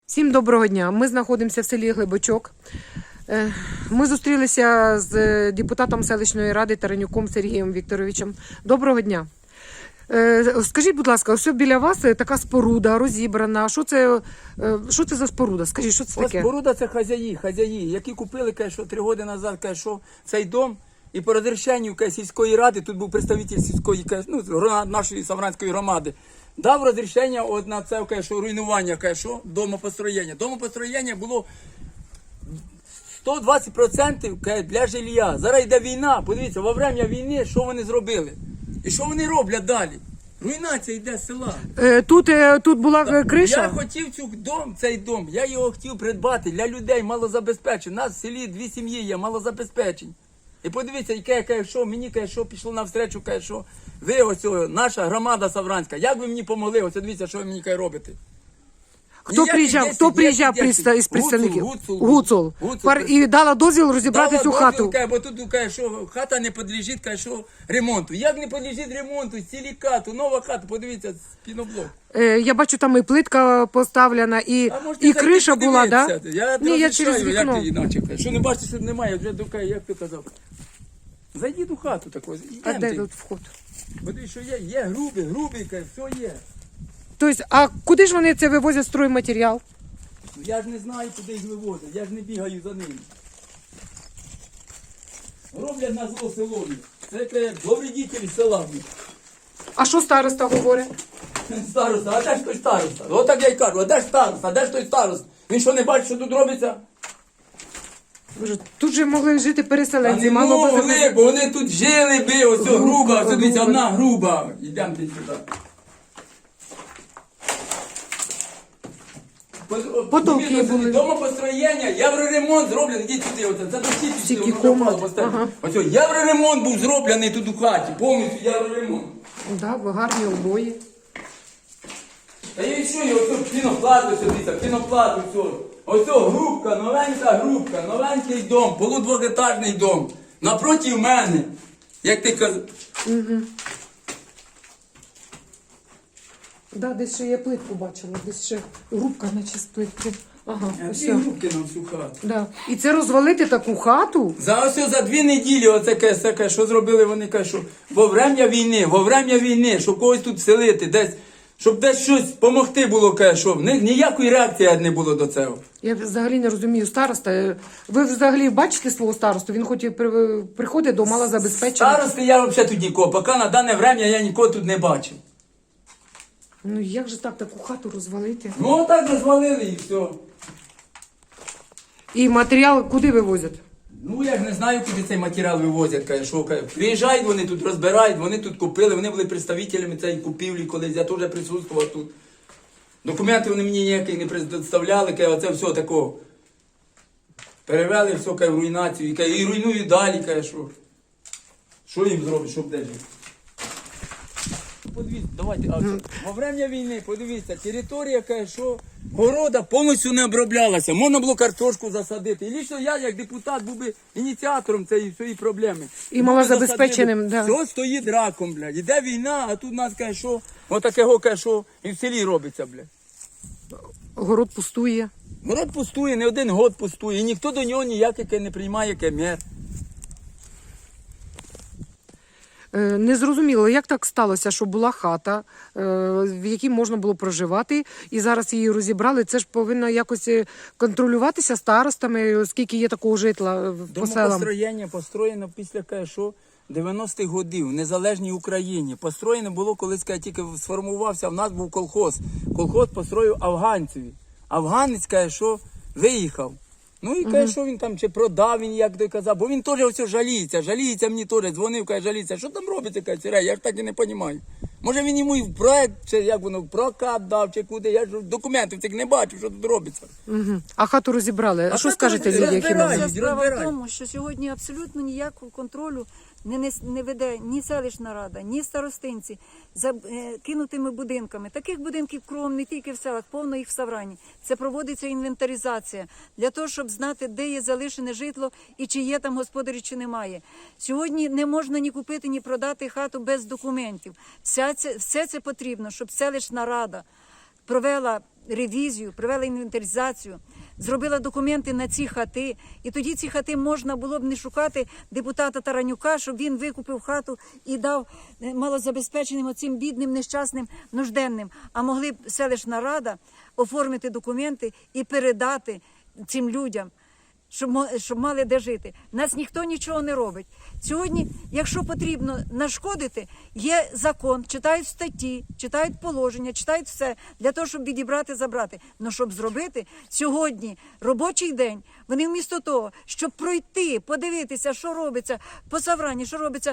Всім доброго дня. Ми знаходимося в селі Глибочок. Ми зустрілися з депутатом селищної ради Таранюком Сергієм Вікторовичем. Доброго дня. Скажіть, будь ласка, ось біля вас така споруда розібрана. Що це за споруда? Скажіть, що це таке? Споруда – це хазяї, які купили, каже, 3 роки назад, каже, цей дом. І по розрішенню сільської ради, тут був представитель сільської, нашої Савранської громади, дав розрішення на це, руйнування, домопостроєння. Домопостроєння було 120% для жилья. Зараз йде війна, подивіться, во время війни, що вони зробили? І що вони роблять далі? Руйнація йде з села. Тут була криша? Я хотів цей дом, я його хотів придбати для людей малозабезпечених. У нас в селі 2 сім'ї є, малозабезпечені. І подивіться, мені пішло навстречу, ви ось наша громада Савранська, як ви мені помогли, ось дивіться, що ви мені розробите. Хто приїжджав із представників? Гуцул. І дала дозвіл розібрати цю хату. Бо тут хата не підлежить ремонту. Як не підлежить ремонту, цілі хату, нова хата, подивіться, піноблок. Я бачу, там і плитка поставлена, і криша була, так? Я через вікно. Як ти іначе? Що не бачите, що немає, вже як ти казав. Зайдіть у хату такого. А де тут вход? Подивись, що є грубий, все є. Тобто, а куди ж вони це вивозять стройматеріал? Я ж не знаю, куди їх вивозять, я ж не бігаю за ними. Роблять на зло селові. Це довредителі села. А що староста говорить? Староста, а де ж той староста? Отак я й кажу, а де ж староста, а де ж той староста? Він що не бачить, що тут робиться? Тут же могли жити переселенці. А не могли, бо вони тут жили би, ось груба, ось дивіться, одна груба. Йдемо сюди. Потолки були. Домопостроєння, євроремонт зроблений, йдіть сюди, це до Стільки комнат. Ось євроремонт був зроблений тут у хаті, повністю євроремонт. Так, гарні обої. Та і що, ось піноплату, піноплату, все. Ось грубка, новенький дом, полудвохетажний дом. Напроти мене, як ти казав. Так, десь ще я плитку бачила, десь ще грубка, наче з плитки. Ага, ось. 2 грубки на всю хату. Да. І це розвалити таку хату? За 2 неділі, оце, що зробили вони, що во время війни, щоб когось тут селити, десь, щоб десь щось допомогти було, що в них ніякої реакції не було до цього. Я взагалі не розумію староста. Ви взагалі бачите свого старосту? Він хоч і приходить до малозабезпечених. Старости я взагалі тут нікого, поки на дане время я нікого тут не бачив. Ну як же так, таку хату розвалити? Ну так розвалили і все. І матеріал куди вивозять? Ну я ж не знаю, куди цей матеріал вивозять, що приїжджають вони тут, розбирають, вони тут купили, вони були представителями цієї купівлі колись, я теж присутствував тут. Документи вони мені ніякі не представляли, оце все такого. Перевели все в руйнацію, і руйнують далі, що їм зробить, щоб де жити. Подивіться, давайте, во время війни, подивіться, територія, города повністю не оброблялася, можна було картошку засадити. І лично я, як депутат, був би ініціатором цієї проблеми. І малозабезпеченим, так. Все стоїть раком, блядь. Іде війна, а тут у нас, і в селі робиться, блядь. Город пустує. Город пустує, не 1 год пустує, і ніхто до нього ніяких не приймає мер. Не зрозуміло, як так сталося, що була хата, в якій можна було проживати, і зараз її розібрали. Це ж повинно якось контролюватися старостами, оскільки є такого житла по селам. Домопостроєння построєно після 90-х годів в незалежній Україні. Построєно було, коли тільки сформувався, в нас був колхоз. Колхоз построїв афганцеві. Афганець виїхав. Ну і що він там, чи продав, він, як той казав, бо він теж все жаліється мені теж, дзвонив, жаліється, що там робиться, я ж так і не розумію. Може він йому і в проект, чи як воно, в прокат дав, чи куди, я ж документів цих не бачу, що тут робиться. А хату розібрали, а що скажете люди, які розбирають? Справа в тому, що сьогодні абсолютно ніякого контролю не веде ні селищна рада, ні старостинці за кинутими будинками. Таких будинків кругом не тільки в селах, повно їх в Саврані. Це проводиться інвентаризація для того, щоб знати, де є залишене житло і чи є там господарі, чи немає. Сьогодні не можна ні купити, ні продати хату без документів. Все це потрібно, щоб селищна рада провела ревізію, провела інвентаризацію, зробила документи на ці хати. І тоді ці хати можна було б не шукати депутата Таранюка, щоб він викупив хату і дав малозабезпеченим оцим бідним, нещасним, нужденним. А могли б селищна рада оформити документи і передати цим людям, щоб мали де жити. Нас ніхто нічого не робить. Сьогодні, якщо потрібно нашкодити, є закон, читають статті, читають положення, читають все для того, щоб відібрати, забрати. Но щоб зробити сьогодні робочий день, вони вмісто того, щоб пройти, подивитися, що робиться по Саврані, що робиться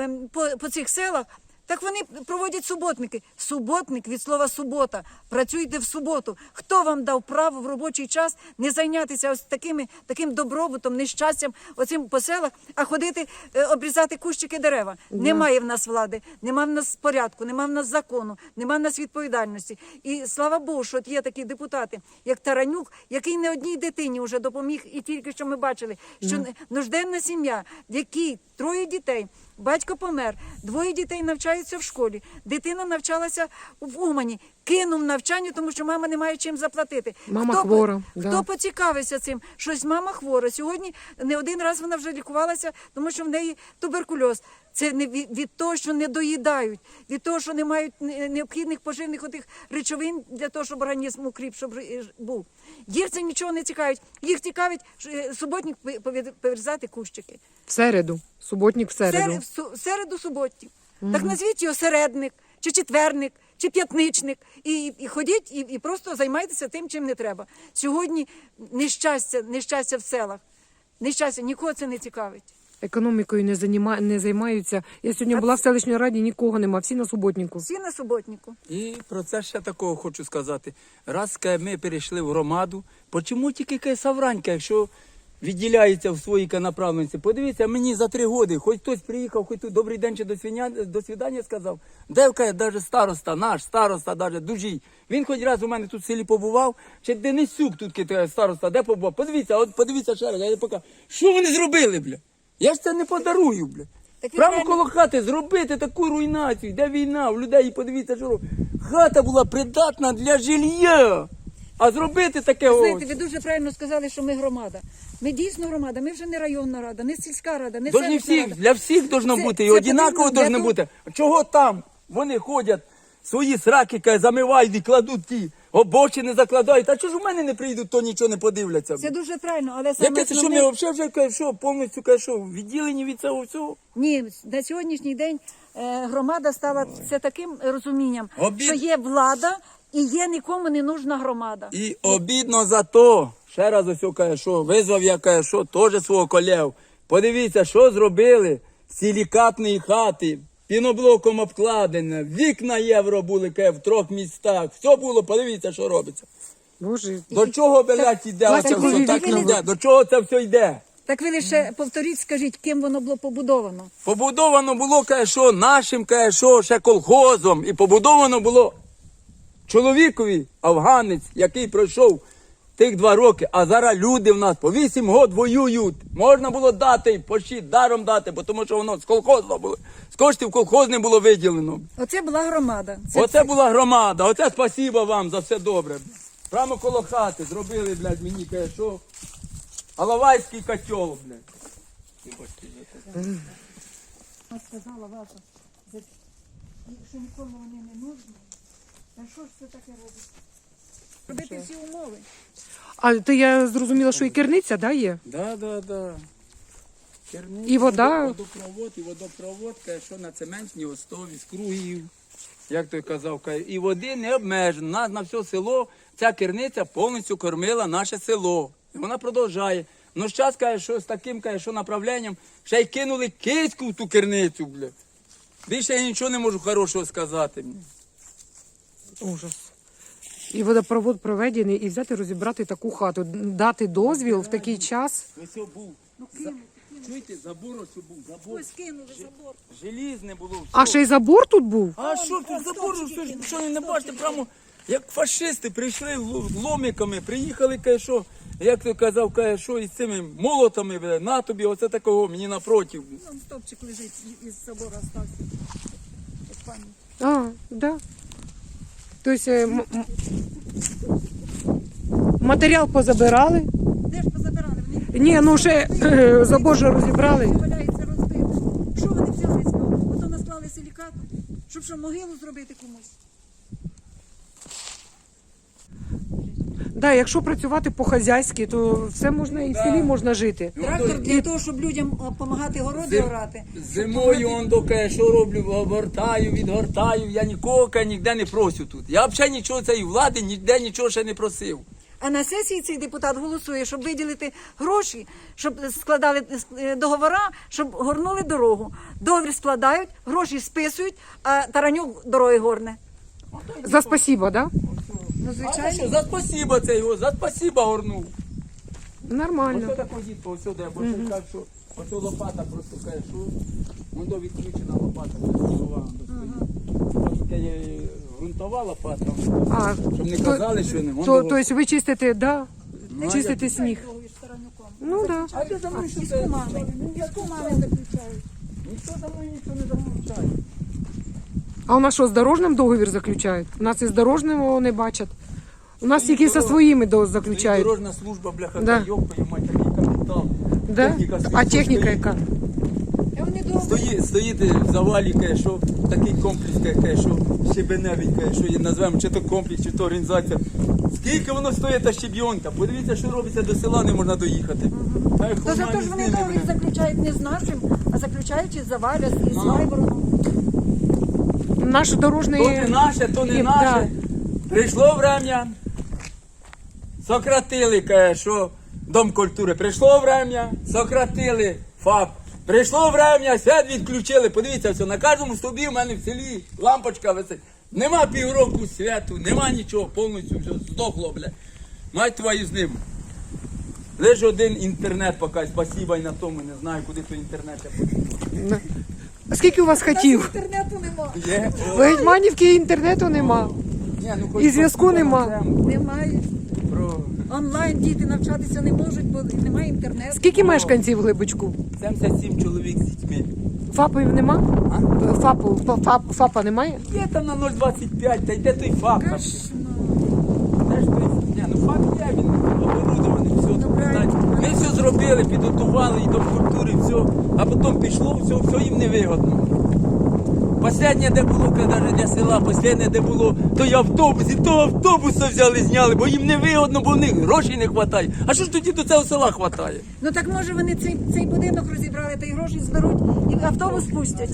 по цих селах, так вони проводять суботники. Суботник від слова субота. Працюйте в суботу. Хто вам дав право в робочий час не зайнятися ось таким добробутом, нещастям оцим по селах, а ходити обрізати кущики дерева? Немає в нас влади, немає в нас порядку, немає в нас закону, немає в нас відповідальності. І слава Богу, що от є такі депутати, як Таранюк, який не одній дитині вже допоміг, і тільки що ми бачили, що нужденна сім'я, в якій 3 дітей, батько помер, 2 дітей навчаються в школі, дитина навчалася в Умані, кинув навчання, тому що мама не має чим заплатити. Мама хвора. Хто поцікавився цим? Щось мама хвора. Сьогодні не один раз вона вже лікувалася, тому що в неї туберкульоз. Це не від того, що не доїдають, від того, що не мають необхідних поживних отих речовин для того, щоб організм укріп, щоб був. Їх це нічого не цікавить. Їх цікавить суботник повирізати кущики. В середу. Суботник в середу. В середу суботник. Так назвіть його середник, чи четверник, чи п'ятничник. І ходіть, і просто займайтеся тим, чим не треба. Сьогодні нещастя в селах. Нещастя, нікого це не цікавить. Економікою не займаються. Я сьогодні була в селищній раді, нікого нема, всі на суботнику. Всі на суботнику. І про це ще такого хочу сказати. Раз ми перейшли в громаду, чому тільки Савранька, якщо відділяється в своїй направленості? Подивіться, мені за 3 роки, хоч хтось приїхав, хоч тут добрий день чи до свидання сказав. Девка, навіть староста, наш староста, навіть Дужій. Він хоч раз у мене тут в селі побував, чи Денисюк тут староста, де побував? Подивіться ще раз, я покажу. Що вони зробили, бля? Я ж це не подарую, бля. Прямо коло хати зробити таку руйнацію, де війна, в людей, подивіться, що робить. Хата була придатна для жилья. А зробити таке Знаєте, ви дуже правильно сказали, що ми громада. Ми дійсно громада, ми вже не районна рада, не сільська рада, не селищна рада. Для всіх должно бути, і однаково должно бути. Чого там вони ходять, свої сраки замивають і кладуть ті, обочини закладають. А чого ж у мене не прийдуть, то нічого не подивляться? Це дуже правильно, але саме Яке це, що ми взагалі вже повністю відділені від цього всього? Ні, на сьогоднішній день громада стала це таким розумінням, що є влада і є нікому не нужна громада. І обідно за то, ще раз ось каже, що визвав я, каже, що теж свого колегу. Подивіться, що зробили з силікатної хати, піноблоком обкладене, вікна євро були, каже, в 3 містах. Все було, подивіться, що робиться. Боже. До чого, блядь, іде оце все? Так іде. До чого це все йде? Так ви лише повторіть, скажіть, ким воно було побудовано? Побудовано було, каже, що нашим, каже, що ще колхозом. І побудовано було чоловікові, афганець, який пройшов тих 2 роки, а зараз люди в нас по 8 років воюють. Можна було дати, пощит, даром дати, бо тому що воно з колхозу було, з коштів колхозне було виділено. Оце була громада. Оце була громада, оце спасибо вам за все добре. Прямо коло хати зробили, блядь, мені, каже, що Алавайський котел, блядь. Сказала ваша, що нікому вони не нужні. А що ж це таке робить? Робити всі умови. А то я зрозуміла, що і керниця, да, є? Да. І вода? Водопровод, каже, що на цементній основі, з кругів, як той казав, каже, і води не обмежено. Нас на все село, ця керниця повністю кормила наше село. І вона продовжує. Ну, зараз, каже, що з таким, каже, що направленням, ще й кинули киську в ту керницю, бля. Більше я нічого не можу хорошого сказати. Ужас. І водопровод проведений, і взяти розібрати таку хату, дати дозвіл в такий час. Ось був. Чуєте, забор ось був, забор. Ось кинули забор. Желізне було все. А ще й забор тут був? А що тут забор, що ви не бачите, прямо як фашисти прийшли ломиками, приїхали, каже, що, як ти казав, каже, що із цими молотами, бля, на тобі, оце такого, мені напротив. Там стовпчик лежить із забору остався. А, да. Тобто матеріал позабирали. Де ж позабирали? Вони Ні, ну ще забор же розібрали. валяється розбито. Що вони взяли з нього? Ото наслали силікату, щоб що, могилу зробити комусь. Да, якщо працювати по-хазяйськи, то все можна і в селі можна жити. Трактор для того, щоб людям допомагати городи орати. Зимою он доки що роблю, обгортаю, відгортаю. Я нікого ніде не просю тут. Я взагалі нічого цієї влади, ніде нічого ще не просив. А на сесії цей депутат голосує, щоб виділити гроші, щоб складали договора, щоб горнули дорогу. Договір складають, гроші списують, а Таранюк дороги горне. За спасибо, да? Ну, А звичайно. що, за спасіба це його, за спасіба горнув. Ось Нормально. такого дітка, ось сюди, бо ще так, що ось лопата просто каже, що воно відключена лопата, красива, ось таке є ґрунтова лопата, А, щоб не то- казали, що не. Тобто ви чистите, да? Ну, а Чистите сніг. Ну так. Да. А ти за мною що Із це? кумами. Із кумами заключають. Ніхто за мною нічого не заключає. А у нас що, з дорожним договір заключають? У нас і з дорожним його не бачать. У нас тільки зі своїми заключають. Дорожна служба, бляха, Да. та йопаю, мать, такий капітал. Да? Техніка стоїть, А техніка стоїть. яка? Вони довго. Стоїть в завалі, каже, що такий комплекс, каже, що щебеневий, каже, що її назвемо, чи то комплекс, чи то організація. Скільки воно стоїть та щебйонка? Подивіться, що робиться до села, не можна доїхати. Та й То хуй зато мамі ж з вони ними, договір бля. заключають не з нашим, а заключають із Заваля, із Ну. Вайбороном. Наш дорожний... То не наше, то не Є, наше. Прийшло врем'я, сократили, каже, що Дом культури. Прийшло врем'я, сократили ФАП. Прийшло врем'я, свят відключили. Подивіться, все, на кожному стовбі в мене в селі лампочка висить. Нема півроку святу, нема нічого, повністю все здохло, бля. Мать твою з ним. Лише один інтернет поки, спасіба й на тому, не знаю, куди той інтернет. Да. А скільки у вас хотів? Інтернету нема. Є? В Гетьманівці інтернету нема. Ні, ну, хоч І зв'язку спасіба нема. на тему. Немає. Про Онлайн діти навчатися не можуть, бо немає інтернету. Скільки мешканців в Глибочку? 77 чоловік з дітьми. ФАПів нема? А? ФАПа немає? Є там на 0,25, та йде той ФАП. там. Де ж той? Ні, ну ФАП є, він оборудований, все. Ну, правильно. Ми все зробили, підготували і до культури, все. А потім пішло, все їм невигодно. Останнє, де було, навіть для села, останнє, де було, той автобус, і того автобуса взяли, зняли, бо їм невигодно, бо в них грошей не вистачає. А що ж тоді до цього села вистачає? Ну так може вони цей будинок розібрали та й гроші зберуть і автобус пустять.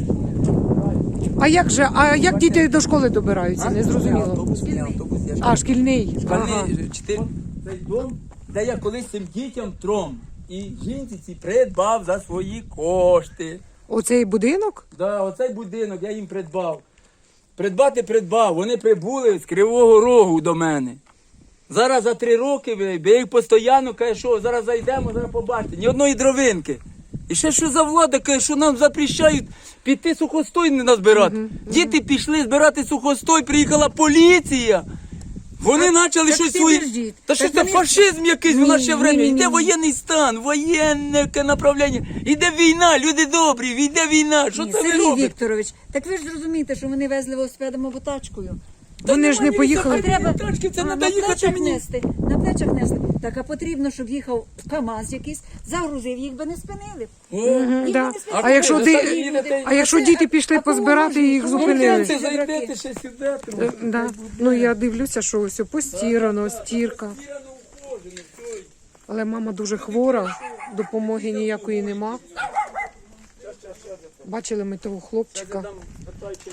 А як діти до школи добираються? Не зрозуміло. Автобус, ні, автобус, я ж А, шкільний. Ага. Шкільний, цей дом, де я колись цим дітям тром. І жінці ці придбав за свої кошти. Оцей будинок? Да, оцей будинок я їм придбав. Придбав. Вони прибули з Кривого Рогу до мене. Зараз за 3 роки я їх постійно каже, що зараз зайдемо, зараз побачите. Ні одної дровинки. І ще що за влада каже, що нам запрещають піти сухостой не назбирати. Діти пішли збирати сухостой, приїхала поліція. Вони почали так щось ти свої. держіть. Та що Так це вони- фашизм якийсь, у нас ще Ні, время. ні, Йде ні. воєнний стан, воєнне направлення. Йде війна, люди добрі, йде війна. Що Ні, це ви Сергій робите? Вікторович, так ви ж зрозумієте, що вони везли велосипедом або тачкою. Та Вони ж нема не поїхали. ні Треба тачки, це на треба їхати плечах мені. нести. На плечах нести. Так, а потрібно, щоб їхав КАМАЗ якийсь, загрузив, їх би не спинили. Їх Да. би не спинили. А якщо ви ти- самі їдете? А якщо діти пішли А кому позбирати, можна? їх Кому зупинили. можна? Це зайдете ще сюди. трохи. Да. Ну я дивлюся, що все постірано, стірка. Стирано, ухожено, все. Але мама дуже хвора, допомоги ніякої нема. Бачили ми того хлопчика. Там питайте.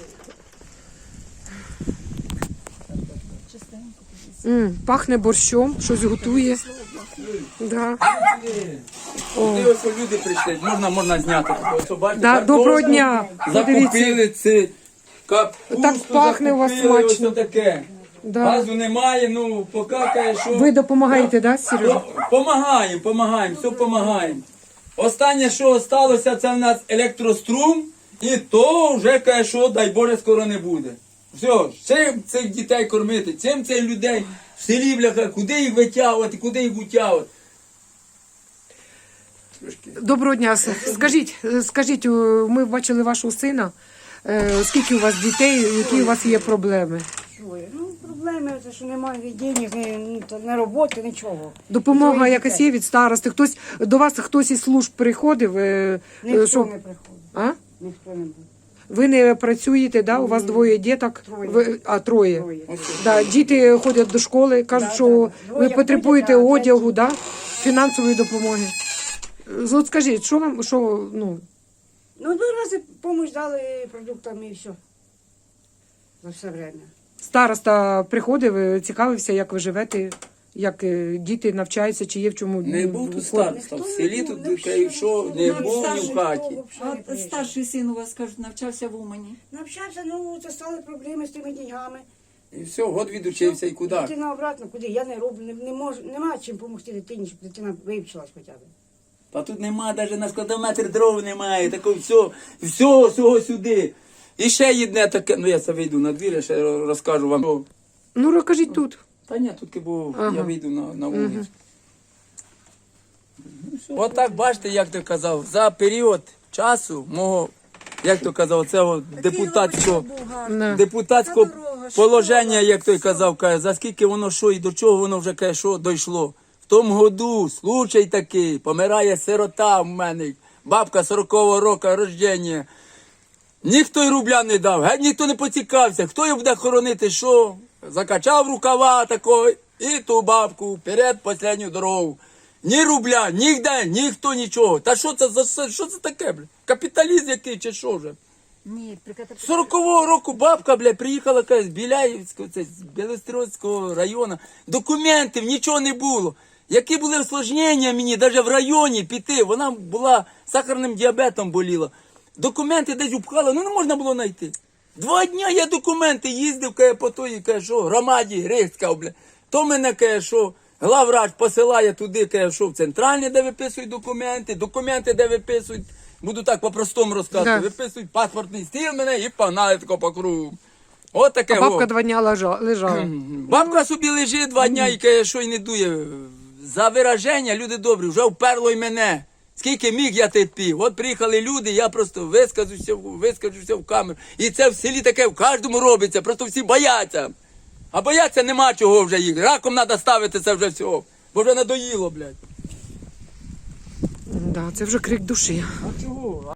Пахне борщом, щось готує. Да. Ти ось люди прийшли, можна зняти. Ось, бачите, Да, картошку доброго дня. Закупили це. Капусту Так пахне у вас закупили, смачно. ось таке. Да. Газу немає, ну, покакає, що... Ви допомагаєте, да, Сережа? Помагаємо, все помагаємо. Останнє, що залишилося, це в нас електрострум, і то вже каже, що, дай Боже, скоро не буде. Все, чим цих дітей кормити, чим цих людей в селі, бляха, куди їх витягувати, куди їх утягувати. Доброго дня. Скажіть, ми бачили вашого сина. Скільки у вас дітей, які у вас є проблеми? Ну, проблеми, це що немає денег, не роботи, нічого. Допомога Двоє якась дітей. є від старости. Хтось до вас хтось із служб приходив. Ніхто що- не приходить. А? Ніхто не був. Ви не працюєте, да? У вас двоє діток? Троє. Троє. Троє. Да, діти ходять до школи, кажуть, Да, що да. ви Двоє потребуєте ходять, а одягу, да? Фінансової допомоги. От скажіть, що вам, що, ну, Ну, 2 рази допомогу дали продуктами і все. За все время. староста приходив, цікавився, як ви живете, як діти навчаються, чи є в чому. Не був тут староста. В селі тут що не був ні в хаті. А старший син у вас, кажуть, навчався в Умані. Навчався, ну, це стали проблеми з тими деньгами. І все, год відучився і куди. Дитина обратно, куди? Я не роблю, не можу, нема чим допомогти дитині, щоб дитина вивчилась хоча б. Та тут нема, навіть на складометр дров немає, такого всього сюди. І ще єдне таке, ну я це вийду на двір, я ще розкажу вам. Ну, розкажіть тут. Та ні, тут бо Ага. я вийду на вулицю. От так бачите, як ти казав, за період часу мого, як то казав, цього депутатського Да. депутатського Та дорога, положення, як той казав, каже, за скільки воно що і до чого воно вже каже, що дійшло. В тому году случай такий, помирає сирота в мене, бабка 40-го року рождення. Ніхто й рубля не дав, геть ніхто не поцікався, хто її буде хоронити, що? Закачав рукава такого і ту бабку вперед останню дорогу. Ні рубля, ніде, ніхто нічого. Та що це за що це таке, бля? Капіталізм який чи що вже? Ні, 40-го року бабка, бля, приїхала каже, з Біляївського, це, з Білостройського району. Документів, нічого не було. Які були осложнення мені, навіть в районі піти, вона була сахарним діабетом боліла. Документи десь упхала, ну не можна було знайти. 2 дня я документи їздив, каже, по той, каже, що, громаді, Грицька, бля. То мене, каже, що, главврач посилає туди, каже, що, в центральне, де виписують документи, де виписують, буду так по-простому розказувати, Да. виписують паспортний стіл мене і погнали тако по кругу. От таке. А бабка 2 дня лежала. Бабка собі лежить 2 дня і каже, що й не дує. За вираження, люди добрі, вже вперло й мене. Скільки міг я терпів. От приїхали люди, я просто вискажуся в камеру. І це в селі таке в кожному робиться, просто всі бояться. А бояться нема чого вже їх. Раком треба ставити це вже всього. Бо вже надоїло, блядь. Да, це вже крик душі. А чого?